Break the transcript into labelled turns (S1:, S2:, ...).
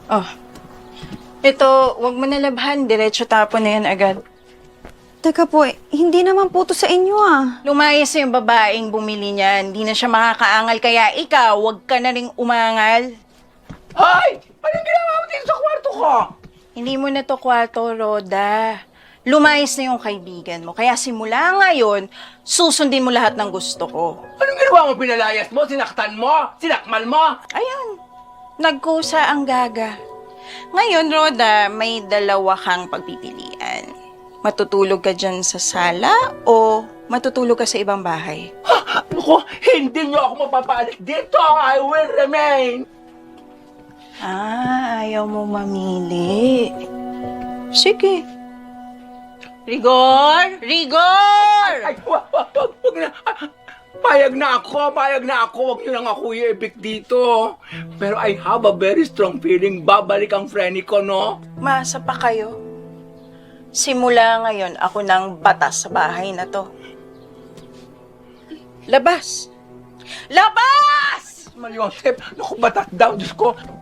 S1: Oh, ito, wag mo nalabhan. Diretso tapon na yan agad.
S2: Teka po, hindi naman po to sa inyo
S1: Lumayas na yung babaeng bumili niyan. Hindi na siya makakaangal. Kaya ikaw, wag ka na ring umangal.
S3: Hoy! Anong ginawa mo dito sa kwarto ko?
S1: Hindi mo na to kwarto, Roda. Lumayas na yung kaibigan mo. Kaya simula ngayon, susundin mo lahat ng gusto ko.
S3: Anong ginawa mo? Pinalayas mo? Sinaktan mo? Sinakmal mo?
S1: Ayun, nagkusa ang gaga. Ngayon, Roda, may dalawa kang pagpipilian. Matutulog ka dyan sa sala o matutulog ka sa ibang bahay?
S3: Naku, hindi niyo ako mapapaalis dito. I will remain.
S1: Ayaw mo mamili. Sige. Rigor! Rigor!
S3: Ay, wag na. Payag na ako. Wag niyo lang ako i-evict dito. Pero I have a very strong feeling babalik ang Frenny ko, no?
S1: Masa pa kayo? Simula ngayon, ako nang batas sa bahay na to. Labas! Labas!
S3: Malyosep, naku, batak daw, Diyos ko.